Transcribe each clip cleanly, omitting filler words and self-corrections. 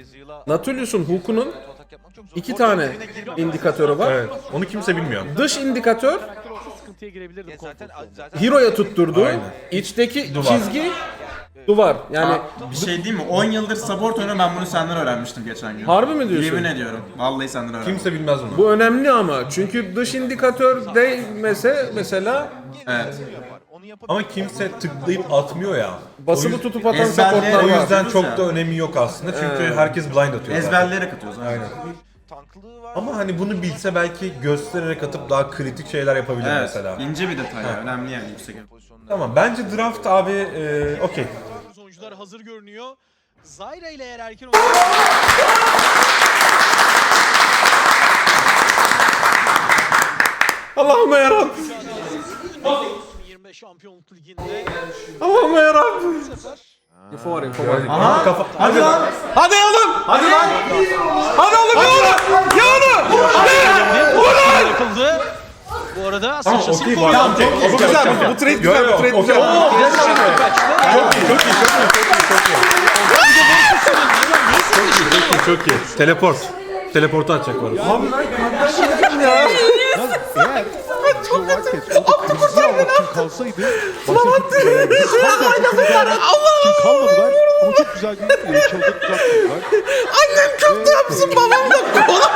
Natulius'un hook'unun 2 tane indikatörü var. Evet. Onu kimse bilmiyor. Dış indikatör Sıkıntıya girebilirdim. Hero'ya tutturduğu, içteki çizgi duvar. Yani Bir şey değil mi? 10 yıldır support oyunu, ben bunu senden öğrenmiştim geçen gün. harbi mi diyorsun? Yemin ediyorum. Vallahi senden öğrendim. Kimse bilmez onu. Bu önemli ama çünkü dış indikatör değmese mesela Evet. Ama kimse tıklayıp atmıyor ya. basılı tutup atan ezberle- supportlar O var. yüzden çok ya. da önemi yok aslında. Çünkü herkes blind atıyor. zaten. Ezberleyerek atıyoruz. Aynen. Ama hani bunu bilse belki göstererek atıp daha kritik şeyler yapabilir Evet. mesela. İnce bir detay ya. Önemli yani, yüksek. Tamam, bence draft abi okey. Oyuncular hazır görünüyor. Zyra ile eğer erken Allah'ıma yarabbim. 25 Şampiyonluk Ligi'nde Allah'ıma yarabbim. Info var, info var. Aha. Kafa. Hadi lan! Hadi oğlum! Hadi lan! Hadi oğlum ya onu! Ya onu! yapıldı. Bu arada sıçrasını okey, koruyor. tamam, çok Bu güzel, bu trade güzel, bu trade güzel. Çok iyi. Teleport. Teleportu atacak var. Abi ben kardeşim ya. Eğer Joe Wildcat orada kırmızı almak için kalsaydı başta kim kalmadılar ama çok güzel bir çılgın tuttular. Annem kaptı yapsın, babam da.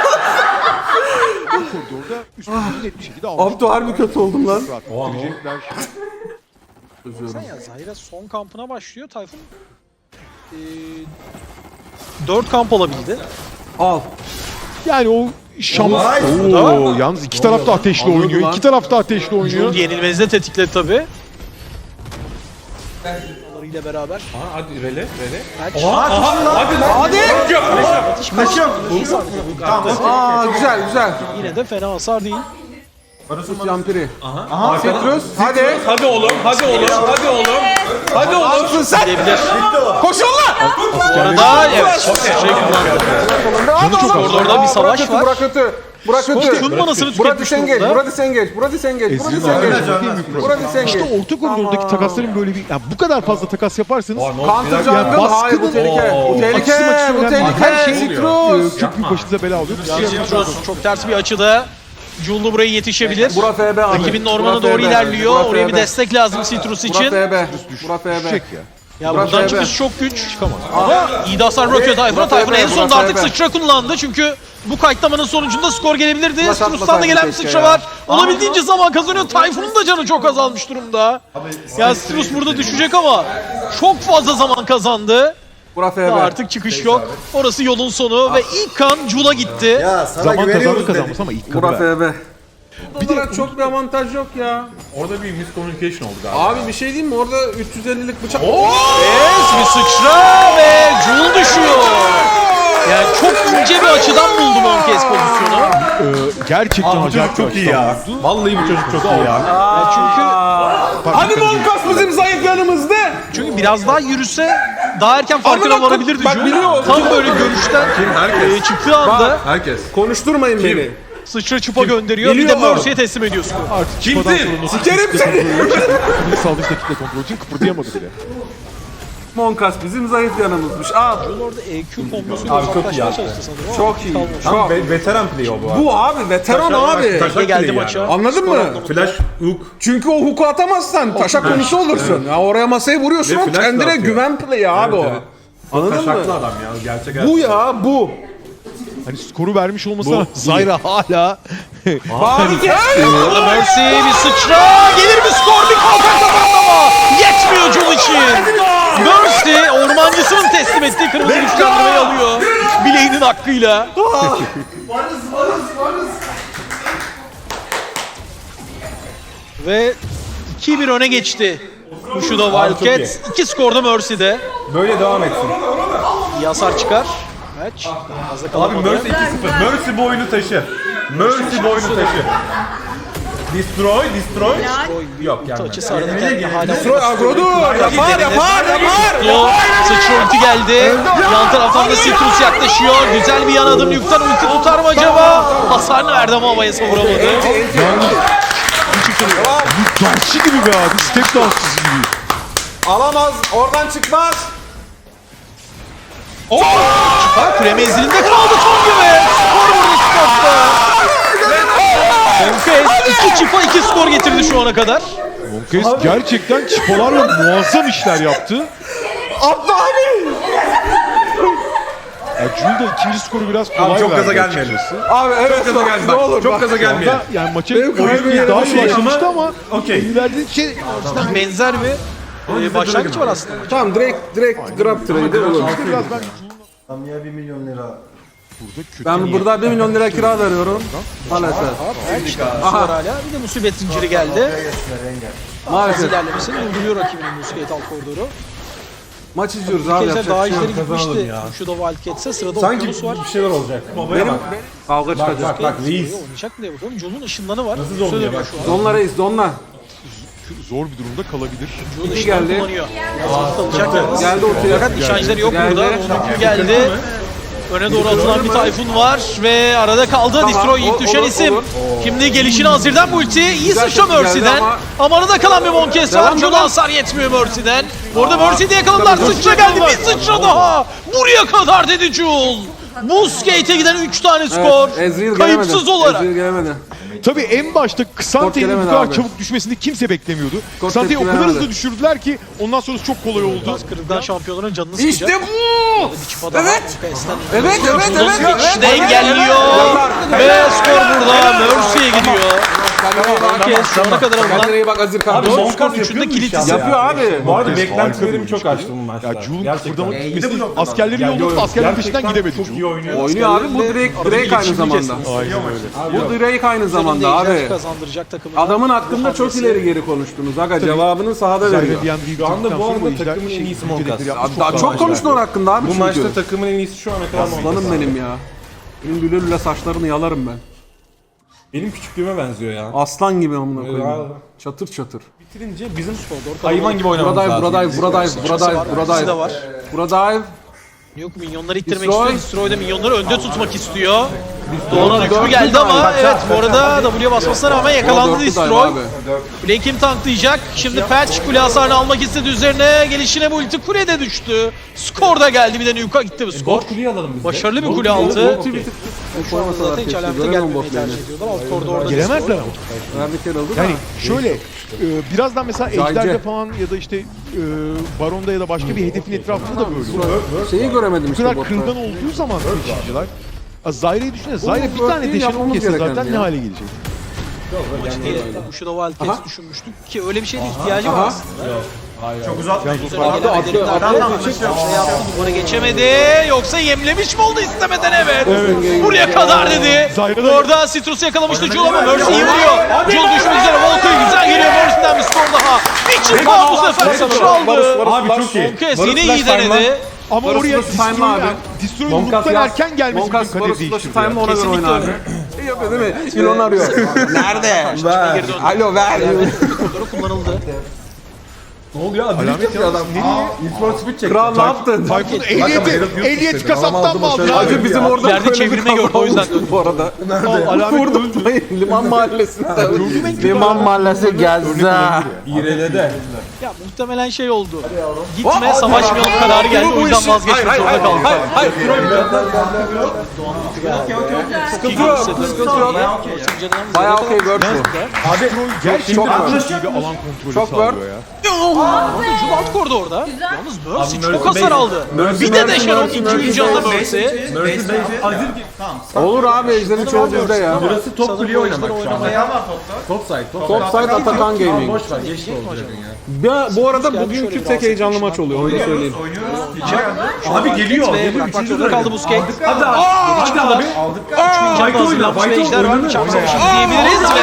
O koridorda üstünlüğü net bir şekilde almış. Abdü harbi kötü oldum lan. Rahat Oha, bitirecekler. Sen ya Zyra son kampına başlıyor. Tayfun 4 kamp olabildi. Al. Yani o şans. Oo, yalnız iki taraf da ateşli Alıyordu oynuyor. lan. İki taraf da ateşli oynuyor. Yenilmezi de tetikledi tabi. ile beraber. Aha, hadi rele. Aa güzel güzel. Yine de fena hasar değil. Yampiri. Aha. Citrus. Hadi. Hadi oğlum. Hadi oğlum. Hadi oğlum. Hadi oğlum. Alsın sen. Gidebilir. Koşun lan. Bu arada evet şey kullandı. Hadi oğlum. Koridorda bir savaş kötü, var. Bura kötü. Bura kötü. Tüm manasını Bura tüketmiş disengage. durumda. Bura disengage. Bura disengage. Bura Ezreal disengage. haricinde değil mi problem? Bura disengage. İşte orta koridordaki takasların böyle bir, yani bu kadar fazla takas yaparsanız Counter jungle. Yani Hayır bu baskının- tehlike. Bu Oo. tehlike. Açısı maçısı Bu önemli. tehlike. Her şey Citrus. çok büyük başınıza bela oluyor. Citrus çok ters bir açıda. Jullu buraya yetişebilir. Bura FB abi. Rakibinin ormana Bura doğru FB. ilerliyor. Bura Oraya bir FB. destek lazım Citrus Bura için. FB. Bura FB. Düşecek ya. Ya Bura buradan FB. çıkış çok güç. Çıkamaz. Ama iyi de hasar bırakıyor Tayfun'a. Bura Tayfun FB, en sonunda bura artık FB. sıçra kullandı. Çünkü bu kayıtlamanın sonucunda skor gelebilirdi. Flash Citrus'tan da atmasaydın gelen bir keşke sıçra ya. var. Olabildiğince zaman kazanıyor. Tayfun'un da canı çok azalmış durumda. Ya Citrus burada düşecek ama çok fazla zaman kazandı. Bura FB. Daha artık çıkış yok. Orası yolun sonu ve ilk kan Jul'a gitti. Zaman kazandı kazanmış ama ilk Bura kanı ver. FB. Bunlara çok bir avantaj yok ya. Orada bir miscommunication oldu galiba. Abi bir şey diyeyim mi? Orada 350'lik bıçak. Evet, bir sıçra ve Jul düşüyor. Yani çok ince bir açıdan buldu Monkez pozisyonu. Gerçekten Bu acayip çocuk çok iyi ya. Vallahi bu çocuk çok iyi ya. Yani Hadi Monkas bizim zayıf yanımızda. çünkü biraz daha yürüse daha erken farkına Amına varabilirdi bak Jul. biliyor. Tam böyle görüşten Herkes. çıktığı anda Herkes. Konuşturmayın beni. sıçra çıpa gönderiyor. Bir de Biliyor. Mercy'ye teslim ediyorsun. Artık çıkmadan sonra nasıl Sikerim seni. kıpırdı saldırı kitle kontrolü için kıpırdayamadı bile. Monkas bizim zayıf yanımızmış. Al. Jul orada EQ kombosuyla Abi çok iyi uzaklaşmaya yaptı. çalıştı sanırım. Çok iyi. Tam Çok. veteran play o bu abi. Bu abi veteran abi. Taşak geldi play maça. yani. Anladın mı? Flash hook. Çünkü o huku atamazsan taşak konusu olursun. Ya oraya masayı vuruyorsun Ve o flash da kendine atıyor. güven play'i abi o. evet. Anladın Taşaklı mı? adam ya. Gerçek Bu ya bu. Hani skoru vermiş olmasına Zyra hala Harika. Orada Mercy bir sıçra. Gelir mi skor? Bir kalkan kazanma. Yetmiyor Jul için. Mercy ormancısının teslim ettiği kırmızı güçlendirmeyi alıyor. Bileğinin hakkıyla. Ve 2-1 öne geçti. Kuşu da Wildcat. 2 skorda Mercy'de. Böyle devam etsin. İyi hasar çıkar. Maç. Fazla Abi kalamadı. Mercy 2-0. Mercy bu oyunu taşı. Mercy bu oyunu taşı. Destroy. Yok Ulti gelmedi. açısı arada kendine hala Destroy agrodur. Yapar. Yo, sıçra ulti geldi. Yan taraftan da Citrus yaklaşıyor. Güzel bir yan adım yükten ulti tutar mı acaba? Hasarını verdi ama havaya savuramadı. dansçı gibi be abi, step dansçısı gibi. Alamaz. Oradan çıkmaz. Küre menzilinde kaldı Tongi ve skor burada Sport'ta. Monkes 2 çipa 2 skor getirdi şu ana kadar. Monkes gerçekten çipolarla muazzam işler yaptı. Abla abi. Jul da ikinci skoru biraz kolay Abi çok gaza verdi gelmeyelim. açıkçası. Abi evet Çok gaza gelme. Bak, çok gaza gelmeyelim. Orada yani maça Benim kalbim oyun daha iyi yere başlamıştı ama Okey. ileride şey Benzer bir başlangıç var aslında. Tamam direkt grab trade'i olur. biraz ben Samiye 1 milyon lira. burada kötü Ben burada 1 milyon lira kira veriyorum. Maalesef. Aha. Hala bir de musibet zinciri geldi. Az Maalesef. ilerlemesini durduruyor rakibinin Musket alt koridoru. Maç izliyoruz abi. Keza Yapacak daha bir şey yok. işleri kazanalım gitmişti. ya. Şu da Wildcats'e sırada Sanki Okyanus var. bir şeyler olacak. Babaya bak. Kavga çıkacak. Bak reis. Oynayacak mı diye bakalım. Joel'un ışınlanı var. Nasıl zonluyor Söylemiyor bak. şu an. Donla reis donla. zor bir durumda kalabilir. Joel İki ışınlanı geldi. kullanıyor. Alacak yalnız. Geldi ortaya. Fakat nişancıları yok Geldi. burada. Onuncu geldi. Öne doğru atılan bir Tayfun var ve arada kaldı. Tamam, Destroy ilk düşen olur, isim. olur. Şimdi gelişine Azir'den multi. İyi Güzel sıçra tepki geldi Mercy'den. ama- Ama arada kalan bir Monkes var. Devam, Joel'a devam. hasar yetmiyor Mercy'den. Orada Mercy'yi de yakaladılar. Tabii, Sıçra geldi. Bir sıçra daha. Buraya kadar dedi Joel. Muskate'e giden 3 tane skor. Evet, Ezreal Kayıpsız gelemedi. olarak. Ezreal gelemedi. Tabii en başta Ksante'nin bu gelemedi kadar abi. çabuk düşmesini kimse beklemiyordu. Skor Ksante'yi o tepki kadar veremedi. hızlı düşürdüler ki ondan sonrası çok kolay oldu. Gaz kırıktan şampiyonların canını sıkacak. İşte bu. Bir çipa daha Evet. Monkes'ten. Evet, evet, Joel'un evet, geçişi de evet, engelliyor. evet. Ve skor burada Mercy'ye gidiyor. Monkes şu ana kadar alınan Kendine iyi bak Azir Abi kardeşim. Skor Monkas üçünde yapıyor mu kilit iş ya? isim. Yapıyor abi. Bu arada Monkas beklentilerimi harika çok bir aştı bu maçta. Ya Jul'un Gerçekten. kıpırdamak Bir de gitmesi bu noktadan. askerleri Ya, yolladı, yok, askerlerin peşinden gerçekten gidemedi çok Jul. iyi oynuyor. Oynuyor abi bu Drake aynı zamanda. Aynen öyle. Bu Drake aynı zamanda abi. kazandıracak takımına. Adamın hakkında çok ileri geri konuştunuz. Aga cevabını sahada veriyor. Zayre diyen bir Şu anda bu arada sonra takımın en işler- iyisi ülkedeki Monkas. yapmış Daha çok çok daha konuştun onun hakkında abi Bu çünkü. maçta takımın en iyisi şu ana kadar Monkas. Aslanım benim ya. Benim lüle lüle saçlarını yalarım ben. Benim küçüklüğüme benziyor ya. Aslan gibi amına Ya. koyayım. Çatır çatır. Bitirince bizim hayvan gibi oynamamız Buradayız, lazım. buradayız, buradayız, buradayız, İkisi de buradayız. var. Buradayız. Yok minyonları ittirmek Destroy. istiyor. Destroy da minyonları önde tutmak istiyor. Doğu'nun hükmü geldi ama evet bu arada W'ye basmasına rağmen yakalandı Dörtlü Destroy. dive abi. Kuleyi kim tanklayacak? Şimdi Patch kule hasarını almak istedi üzerine. Gelişine bu ulti kulede düştü. Skor da geldi bir de Nuke'a gitti bu skor. Bot kuleyi alalım biz de. Başarılı bir kule altı. Ulti bir tık Şu anda koymasalar zaten hiç keşke. alamete Göremem gelmemeyi botlarını. tercih ediyorlar. Alt koridorda Gelemezler Destroy. ama. Verdik yer oldu da. Yani şöyle birazdan mesela Zayce. Ejder'de falan ya da işte Baron'da ya da başka bir hedefin etrafında da böyle olur. Şeyi göremedim Bu işte kadar botta. kırılgan olduğu zaman taşıyıcılar Zayre'yi düşünün. Zayre bir bu tane değil, deşen yapmamız kesse gereken zaten ya. ne hale gelecek? Bu şu da Wildcats düşünmüştük ki öyle bir şeye de ihtiyacı var Aha. aslında. Çok uzatma. Attı, attı. Şey yaptı, duvara geçemedi. Yoksa yemlemiş mi oldu istemeden evet. Buraya kadar dedi. Zayre de- Orada Citrus'u yakalamıştı Jul ama Mercy iyi vuruyor. Jul düşmek üzere. Volkay güzel geliyor. Mercy'den bir skor daha. Bir çift daha bu sefer sıçraldı. Abi çok iyi. Monkes Varus yine Flash iyi denedi. Ama Barış oraya Barış time'la abi. Destroy'un Monkas Hulk'tan yaz. erken gelmesi Monkas bütün Barış kaderi Flash değiştirdi. time'la ona göre Kesinlikle oyna abi. İyi yapıyor değil mi? Milon arıyor. Nerede? Geri döndü. Alo ver. Koridoru kullanıldı. Ne oluyor abi? Alamet ya adam. İlk speed çekti. Kral ne yaptın? Tayfun Herif yok ehliyeti istedi. kasaptan mı aldı? Acı bizim orada İleride böyle bir çevirme kafa gördü, o yüzden olmuştu bu arada. Alamet Vurdum Liman Mahallesi'nde. Liman Mahallesi Gezza. İrelede. Ya muhtemelen şey oldu. Gitme savaşmayalım kararı geldi. O yüzden vazgeçmek zorunda kaldı. Hayır. Sıkıntı yok. Sıkıntı yok. Bayağı okey word bu. Abi gerçekten çok çok work. iyi bir alan kontrolü Çok sağlıyor work. ya. Jul alt kordu orada. Yalnız Mercy çok Mercy hasar aldı. Bir de deşen o ikinci canlı Mercy. Olur abi Ejder'in çoğu bizde ya. Burası top kuleyi oynamak şu anda. Top side. Topside Atakan Gaming. Boş ver geçti olacak. Bu arada bugünkü tek heyecanlı maç oluyor. Onu da söyleyeyim. Abi geliyor. Ve bırakmak zorunda kaldı Busquets. Hadi abi. Aldık. Canlı hazırlanmış ve ejder var. Bıçak savaşı diyebiliriz ve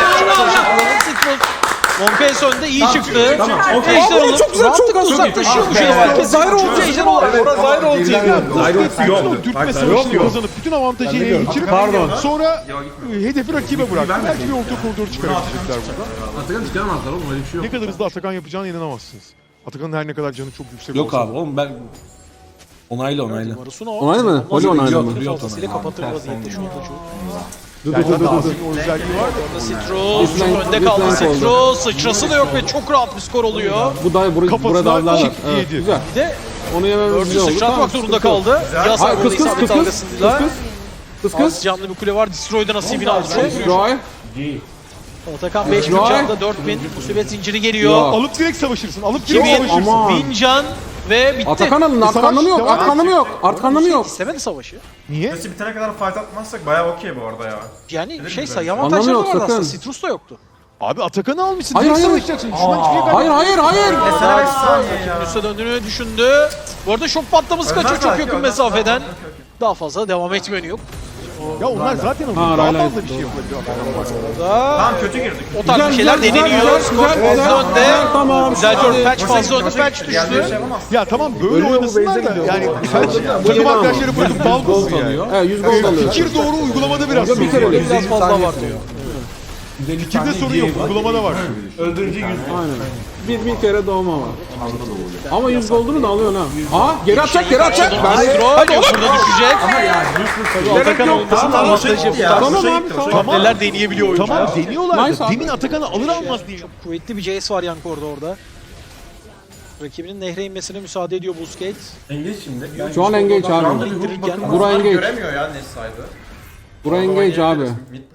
Monkes önde iyi çıktı. Tamam, okey. Ejder alıp çok güzel, çok güzel. uzaklaşıyor bu şey. Zayre oldu. Ejder olarak. Zayre oldu. Zayrox'u yok. O dürtme Bak, savaşını yok. kazanıp bütün avantajı ele geçirip sonra hedefi rakibe bıraktı. Belki bir orta koridor çıkarabilecekler burada. Atakan çıkaramazlar oğlum öyle bir şey yok. Ne kadar hızlı Atakan yapacağına inanamazsınız. Atakan'ın her ne kadar canı çok yüksek Yok olsa. abi oğlum ben onayla. Onay mı? Oli onaylı mı? Fazlasıyla kapatır vaziyette şu anda çok. Yani Azir'in o özelliği var. Citrus önde kaldı Citrus. Sıçrası da yok ve çok rahat bir skor oluyor. Bu da burada Kafasına avlarlar. kick Evet, yedi. güzel. Bir de Onu yememiz Mercy güzel oldu. sıçratmak zorunda kaldı. Yaz Hayır, kız isabet kız dalgasıyla. kız Az canlı bir kule var. Destroy'da nasibini aldı. Roy. Atakan 5000 Roy. canlı 4000. Musibet zinciri geliyor. Ya. Alıp direkt savaşırsın. Alıp direkt 2000, savaşırsın. Aman. 1000 can ve bitti. Atakan alın. Artık Savaş, anlamı yok. devam Artık et. anlamı yok. Artık anlamı yok. İstemedi savaşı. Niye? Messi bitene kadar fight atmazsak bayağı okey bu arada ya. Yani mi sayı Anlamı avantajları yok, vardı aslında. sakın. Citrus da yoktu. Abi Atakan'ı almışsın. Hayır, Direkt hayır. savaşacaksın. Düşman çıkıyor kadar. Hayır hayır hayır. Mesela 5 saniye ya. Üste döndüğünü düşündü. Bu arada şok patlaması Önden kaçıyor çok belki, yakın önden. mesafeden. Tamam, okey, okey. Daha fazla devam etme önü yok. Ya onlar zaten Ha, alıyor. Daha Rayla fazla bir şey yapılabiliyor Atakan varsa. Tamam kötü girdik. O tarz bir şeyler deneniyor. Skor fazla önde. Tamam. Güzel hadi. bir patch fazla önde. Patch Diğerleri şey düştü. yapamaz. Ya tamam böyle Ölüyor, bu oynasınlar base'e da gidiyor. yani Bu takım yeni arkadaşları bırakıp dalmasın yani. He 100 gol alıyor. Fikir doğru uygulamada biraz Bir sorun kere var. de. Biraz fazla var diyor. Fikirde sorun yok, uygulamada var. Aynen. Bir kere doğma var. Ama 100 golünü da alıyor ha. Aa geri atacak geri atacak. Destroy yok burada düşecek. Atakan olmasın Tamam, avantajı şey gitti ya. Tamam Şey abi, gitti, tamam. şey gitti. Neler deneyebiliyor oyuncu. Tamam deniyorlar Nice da abi. demin Atakan'ı alır almaz diye. Çok kuvvetli bir Jace var yan koridorda. Rakibinin nehre inmesine müsaade ediyor Busquets. Engage şimdi. Şu an engage abi. İndirirken Bura engage. Göremiyor ya ne saydı. Bura engage abi.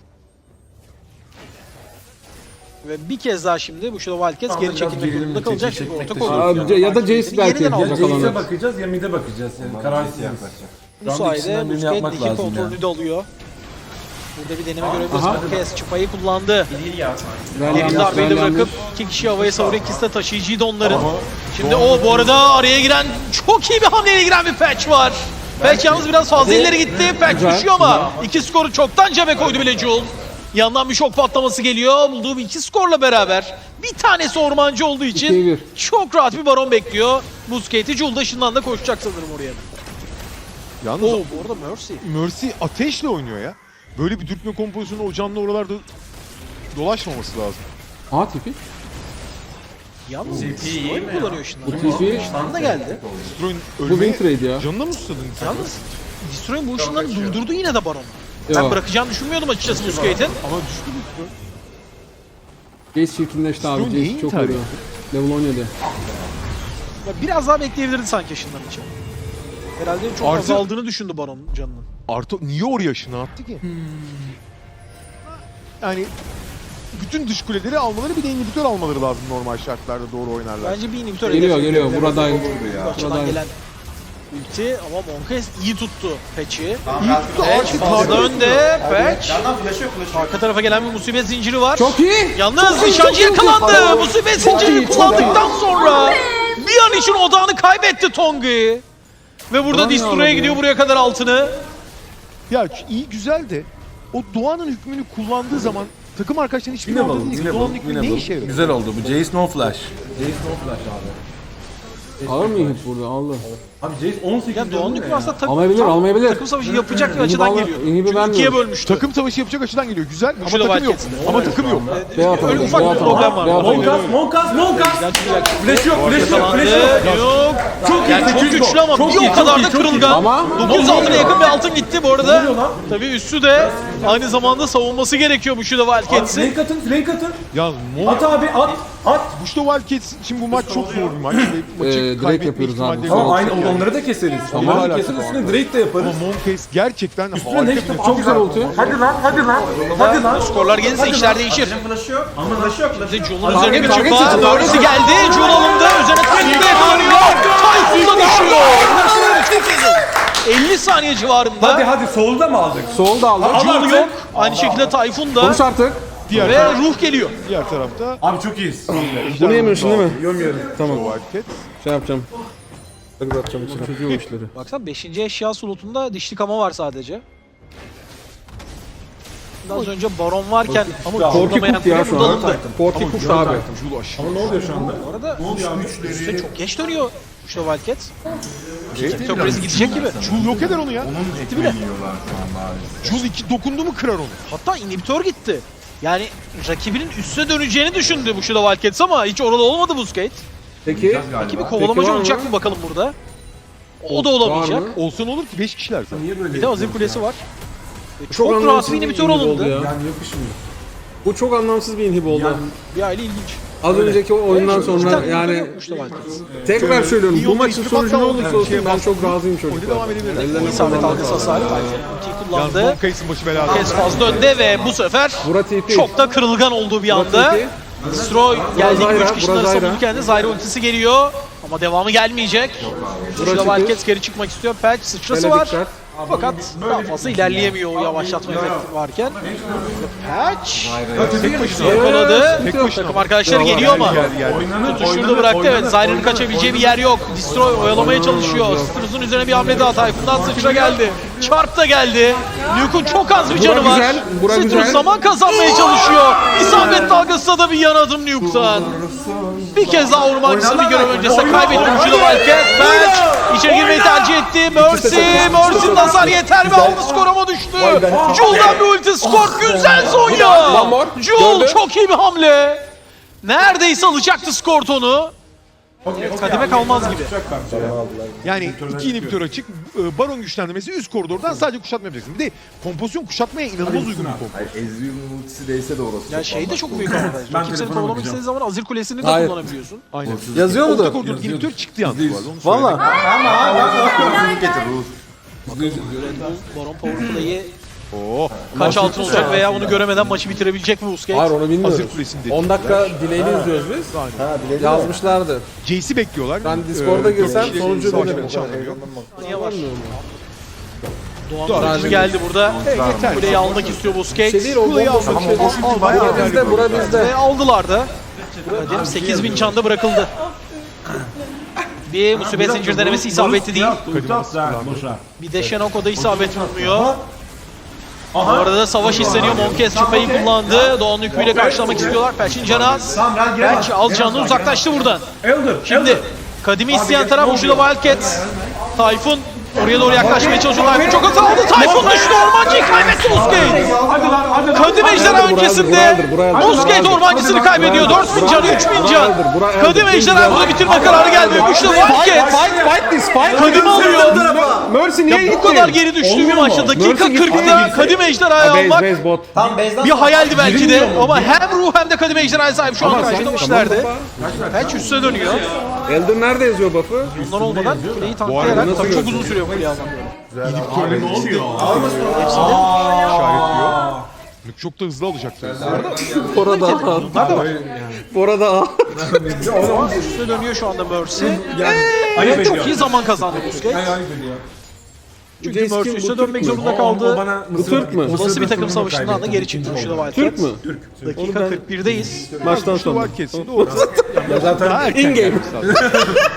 ve bir kez daha şimdi bu Shadow Wildcats geri çekilmek durumunda kalacak çünkü orta Aa, koridor. ya da Jace belki Yeniden alacak. yakalanır. bakacağız ya mid'e bakacağız yani kararsız yaklaşacak. Bu sayede ikisinden birini Busquets yapmak iki lazım kontrolünü ya. de alıyor. Burada bir deneme görebiliriz. Aha. Bu kez çıpayı kullandı. İyi ya. Derin darbeyi de bırakıp iki kişi havaya savuruyor. İkisi de taşıyıcıydı onların. Şimdi o bu arada araya giren çok iyi bir hamleyle giren bir patch var. Patch yalnız biraz fazla ileri gitti. Patch Güzel, düşüyor ama iki skoru çoktan cebe koydu bile Jul. Yandan bir şok patlaması geliyor. Bulduğu iki skorla beraber bir tanesi ormancı olduğu için 2-1. çok rahat bir baron bekliyor. Busquets'i Jul da ışından da koşacak sanırım oraya. Yalnız Oo bu arada Mercy. Mercy ateşle oynuyor ya. Böyle bir dürtme kompozisyonu o canlı oralarda dolaşmaması lazım. Aa tipi. Yalnız CP iyi oyun mi ya? kullanıyor şimdi. Bu tipi. Işından da geldi. Destroy'un Bu ölmeye win trade ya. canına mı susadın sen? Yalnız Destroy'un bu ışınlarını durdurdu yine de baron. Ben Ya. bırakacağını düşünmüyordum açıkçası Busquets'in. Ama düştü Destroy. Jace çirkinleşti abi. Strong neyi Jace çok intihar vuruyor. Level 17. Biraz daha bekleyebilirdi sanki ışınların için. Herhalde çok Artı- azaldığını düşündü baron canının. Artı niye oraya ışını attı ki? Yani bütün dış kuleleri almaları bir de inhibitör almaları lazım normal şartlarda doğru oynarlar. Bence bir inhibitör Geliyor hedefi. geliyor. Buradayım. Bu açıdan Buradayım. gelen ulti ama Monkaes iyi tuttu Patch'i. Tamam, Patch fazla önde. Patch. Yandan flash'ı yok flash'ı yok. Arka tarafa gelen bir musibet zinciri var. Çok iyi. Yalnız nişancı yakalandı. Musibet zincirini kullandıktan sonra bir an için odağını kaybetti Tongi. Ve burada Ulan Destroy'a ya. gidiyor buraya kadar altını. Ya iyi güzel de o Doğan'ın hükmünü kullandığı zaman takım arkadaşların hiçbir Winnable, orada değil. winnable, Doğan'ın hükmü ne işe yarıyor? Güzel oldu bu. Jace no flash. Jace no flash abi. Alır mı hit burada? Aldı. Abi Jace 18 Ya Doğan hükmü aslında Almayabilir, almayabilir. takım savaşı yapacak bir açıdan İnhibi geliyor. inhibi Çünkü vermiyor. ikiye bölmüştü. Takım savaşı yapacak açıdan geliyor. Güzel ama Şurada takım yok. Wildcats'in. Ama takım yok. B atalım. Öyle ufak bir problem var. Monkas. Flash yok, flash yok, Yakalandı. flash yok. Yok. Çok iyi, Yani çok 800 güçlü ama Çok bir iyi, o kadar çok da iyi, çok iyi. kırılgan. Ama 900 altına yakın bir altın gitti bu arada. Tabii üstü de aynı zamanda savunması gerekiyor bu Şurada Wildcats'in. Flank atın. Ya At abi, at. Bush'ta Wildcats için bu maç çok zor bir maç. Ve maçı direkt kaybetme yapıyoruz abi. ihtimalleri Tamam, var. aynı Yani. onları da keseriz. Tamam. Onları da keseriz, üstüne Drake de yaparız. Ama Monkaes gerçekten Üstüne harika next bir çok güzel oldu. Hadi lan. Skorlar gelirse işler değişir. Flash'ı yok. Ama flash'ı yok. Şimdi Jul'un üzerine bir target çık var. seçin, target Mercy geldi. Jul alındı. Üzerine Tayfun'da yakalanıyor. Tayfun da düşüyor. 50 saniye civarında. Hadi solda mı aldık? Sol da aldı. Jul yok. Aynı şekilde Tayfun da. Konuş artık. Ve Ruh geliyor. diğer tarafta. Abi çok iyiyiz. Bunu yemiyorsun değil mi? Yemiyorum. Tamam. Wildcats. Şey yapacağım. Hadi bırakacağım içine. Çocuğu o işleri. Baksana 5. eşya slotunda dişli kama var sadece. Az önce baron varken ama Korki zorlamayan kurt ya biri şu burada an. alındı. Korki kurt abi. Jul aşırı. Ama ne oluyor şu anda? Bu arada üstte çok geç dönüyor Şurada Wildcats. Evet, Çok krizi gidecek gibi. Jul yok eder onu ya. Gitti bile. Jul iki dokundu mu kırar onu. Hatta inhibitör gitti. Yani rakibinin üste döneceğini düşündü bu Şurada Wildcats ama hiç orada olmadı Busquets. Peki. Rakibi kovalamacı var mı? olacak mı bakalım burada? O da olamayacak. Var mı? Olsa ne olur ki 5 kişiler zaten. Bir de Azir Kulesi var. Ve Çok çok rahat anlamsız bir bir inhibitör inhib oldu alındı. ya. Yani yapışmıyor. Bu çok anlamsız bir inhib oldu. Bir aile ilginç. Az önceki o oyundan sonra yani Yokmuş da Wildcats. tekrar söylüyorum bu İyi maçın oynadı, sonucu ne hatta olursa olsun ben çok razıyım Oyuna çocuklar. devam edebilirler. Ellerine İsabet sağlık. algısı hasarı Tayfun ultiyi Yalnız kullandı. Monkey'sin başı belada. Kes fazla önde ve bu sefer Bura TP. çok da kırılgan olduğu bir anda. TP. Destroy geldi Zyra, 3 kişiden bura Zyra. savunurken de Zyra ultisi geliyor. Ama devamı gelmeyecek. Şurada çıkıyor. Wildcats geri çıkmak istiyor. Patch sıçrası Hele var. dikkat. Fakat daha fazla ilerleyemiyor o yavaşlatma efekti varken. Patch yakaladı. Takım arkadaşları geliyor ama tutuş şurada bıraktı. Evet, Zyra'nın kaçabileceği bir yer yok. Destroy oyalamaya çalışıyor. Citrus'un üzerine bir hamle daha. Tayfun'dan sıçra geldi. Çarp da geldi. Luke'un çok az bir canı var. güzel, bura Citrus güzel. zaman kazanmaya çalışıyor. İsabet dalgası da bir yan adım Luke'tan. Bir kez daha ormancısını bir görev öncesinde kaybetti. Ucuyla Wildcat. Patch içeri girmeyi tercih etti. Mercy'nin hasar yeter mi? Aldı, skor ama düştü. Jul'dan bir ulti, skor güzel Zonya. One more. Jul Gördü. çok iyi bir hamle. Neredeyse alacaktı skor tonu. Kadime kalmaz gibi. Yani iki inhibitör açık, baron güçlendirmesi üst koridordan sadece kuşatma yapacaksın. Bir de kompozisyon kuşatmaya inanılmaz uygun bir kompo. Ezreal'ın ultisi değse de orası. Ya şey de çok büyük avantaj. Rakip seni kovalamak istediği zaman Azir Kulesi'ni de Hayır. kullanabiliyorsun. Aynen. Yazıyor Orta mu? koridor inhibitör çıktı yalnız bu arada. Onu söyleyeyim. Valla. Getir Ruh. Baron Powerplay'i Oo. kaç altın olacak veya onu göremeden maçı bitirebilecek mi Busquets? Hayır onu bilmiyoruz. Hazır kulesinde. 10 dakika dileğini izliyoruz biz. Ha biledi Yazmışlardı. Jace'i bekliyorlar. Ben Discord'a girsem sonucu savaş denerim. maçı anlıyor. Niye var? Doğan oyuncu geldi burada. Yeter. Kuleyi almak istiyor Busquets. Şey değil o Kuleyi bomba almak şey değil. Bura bizde, bura bizde. Ve aldılar da. Kadim 8000 çanda bırakıldı. Bir musibet zincir denemesi isabetli değil. Bir de Shenoko da isabet vurmuyor. Bu arada da savaş isteniyor. Monkes şüpheyi kullandı. Doğan yüküyle karşılamak istiyorlar. Patch'in canı az. Patch az canlı uzaklaştı buradan. Şimdi Kadim'i isteyen taraf ucuyla Wildcats. Tayfun oraya doğru yaklaşmaya çalışıyor. Tayfun çok hata aldı. Tayfun düştü. Ormancıyı kaybetti Busquets. Kadim ejderha öncesinde Busquets ormancısını kaybediyor. 4000 can, 3000 can. Kadim ejderha burada bitirme kararı geldi. Güçlü Wildcats. Fight this fight. Kadim alıyor. Mercy niye gitti? Bu kadar geri düştüğü bir maçta dakika 40'da Kadim ejderhayı almak Base bot. bir hayaldi belki de ama hem ruh hem de Kadim ejderhaya sahip şu an karşılamışlardı. Patch üstüne dönüyor. Elder nerede yazıyor buff'ı? Bunlar olmadan kuleyi tanklayarak nasıl tabii çok uzun gözüküyor? sürüyor kuleyi almak. İşaretliyor. Çok da hızlı alacaktır. Bora da Bora da Üstüne dönüyor şu anda Mercy. Çok iyi zaman kazandı Busquets. Çünkü Mercy üstüne dönmek zorunda kaldı. Bu Türk mü? Olası bir takım savaşından da geri çıktı Şurada Türk Wildcats. mü? Dakika 41'deyiz. Maçtan Şu sonra. var kesin doğru. Daha erken In game. gelmiş zaten.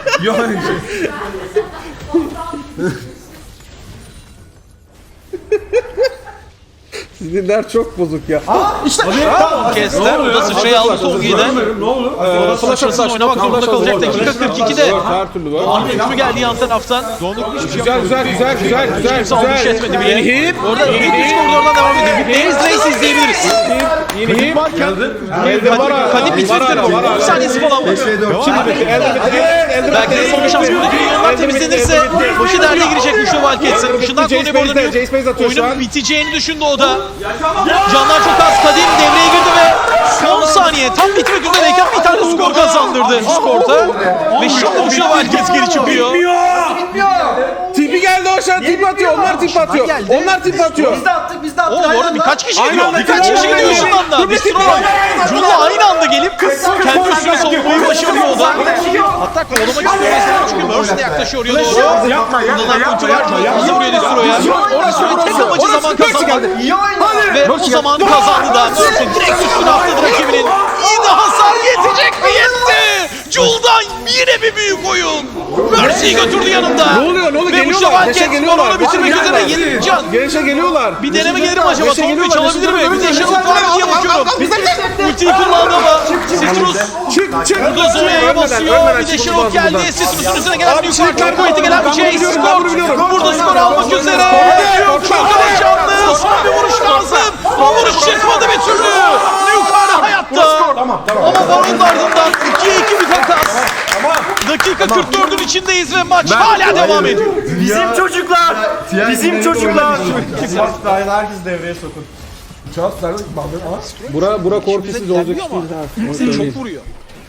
Sizler çok bozuk ya. Kessler o da sıçrayı aldı Tolga'dan. Ne olur? Sıçrasını oynamak zorunda kalacak dakika 42'de. Her türlü var. Doğan Hücrü geldi yan taraftan. Güzel güzel. Kimse almış etmedi bile. Hip. Orada Hip üst koridordan devam ediyor. Nails Race izleyebiliriz. Yeni hip. Elder var abi. Kadim bitirdi. 10 saniyesi falan var. Belki de son bir şans buradaki milyonlar temizlenirse başı derde girecek Güçlü Wildcats'ın. Işından konuyu burada Jace Base atıyor şu an. oyunun biteceğini düşündü o da. Canlar çok az. Kadim devreye girdi ve son saniye tam bitmek üzereyken bir tane skor kazandırdı Discord'a. Ve şimdi Güçlü Wildcats geri çıkıyor. Tipi geldi aşağı tip atıyor. Onlar tip atıyor. geldi. Onlar tip atıyor. Oo bu arada birkaç kişi Aynı gidiyor. anda, Birkaç kişi gidiyor ışından da. Destroy. Jun'la aynı anda gelip kendi üstüne savunmayı başarıyor o da. Hatta kovalamak istiyor Destroy çünkü Mercy de yaklaşıyor oraya doğru. Kullanılan ulti var. Hızlı vuruyor Destroy'a. Destroy'un tek amacı zaman kazanmak. Ve o zamanı kazandı da Mercy direkt üstüne atladı rakibinin. Yine hasar yetecek mi? Yetti! Jul'dan yine bir büyük oyun. Mercy'yi götürdü yanında. Ne oluyor? Ne oluyor? Ve Uçlu Geliyorlar. Wildcats Geliyorlar. bitirmek üzere 7 can. Gelişe geliyorlar. Bir deneme gelir mi acaba? Beşe Son bir geliyorlar, çalabilir mi? beşe Bir de geliyorlar. Shadow var mı diye bakıyorum. Ultiyi kullandı ama Citrus Çık. burada Zonya'ya basıyor. Bir de Shadow geldi. Citrus'un üzerine gelen bir yukarı çok kuvvetli gelen bir Chase skor. Burada skor almak üzere. Çok ama canlı. Son bir vuruş lazım. O vuruş çıkmadı bir türlü. Yukarı hayatta. Ama Baron'un ardından 2'ye 2 bir takas. Dakika 44'ün içindeyiz ve maç hala devam ediyor. Bizim çocuklar. Bizim çocuklar. Herkes devreye sokun. Bura korkusuz olacak iş ama değil. çok vuruyor.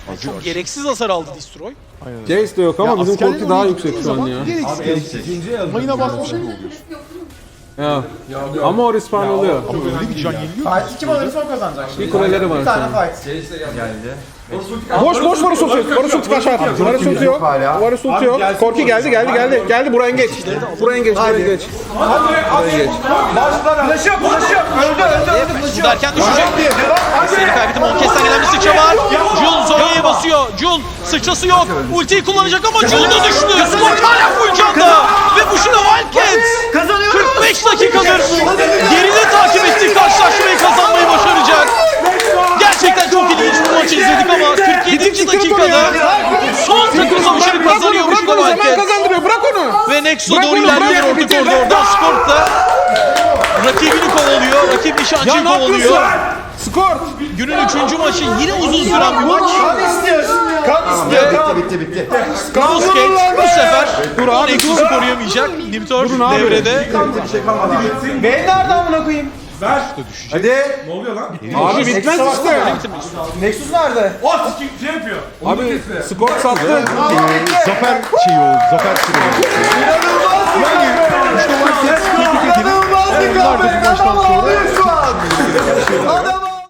Çok gereksiz hasar aldı Destroy. Jace de yok ama bizim askerlerin korku daha oraya yüksek gittiği şu an zaman ya. gereksiz. Mayına basmış gibi oluyor. Ya. Ama o respawn oluyor. Ama öyle bir can yeniliyor. Fight kim alırsa o kazanacak. Bir kuleleri var Bir tane senin. fight. Boş boş Varus ulti. Varus ulti kaçar. Varus ulti yok. Varus ulti yok. Korki geldi. Geldi buraya geç. Buraya geç. Buraya geç. Flash yok. Öldü. Bu derken düşecek. Seni kaybetti. Monkes'ten gelen bir sıçra var. Jul Zonya'ya basıyor. Jul sıçrası yok. Ultiyi kullanacak ama Jul da düştü. Skor hala full canda. Ve bu şuna Wildcats. Kazanıyor. 45 dakikadır geride takip ettiği karşılaşmayı kazanmayı başaracak. Gerçekten çok ilginç bir maç izledik ama 47. dakikada son takım savaşını kazanıyor bu şuna Zaman Wildcats. kazandırıyor. Bırak onu. Ve Nexo Bırak doğru onu, ilerliyor bırak, orta bitir. koridorda. Skort da rakibini kovalıyor. Rakip Ya nişancıyı ne yapıyorsun? kovalıyor. Skor. Günün 3. maçı yine uzun süren bir maç. Bitti. Crossgate bu sefer o Nexus'u koruyamayacak. Nimtor abi. devrede. Ben nerede amına koyayım? Hadi. Ne oluyor lan? Abi bitmez işte. Nexus nerede? Şey yapıyor. Abi skor sattı. Zafer şeyi oldu. Zafer süreci.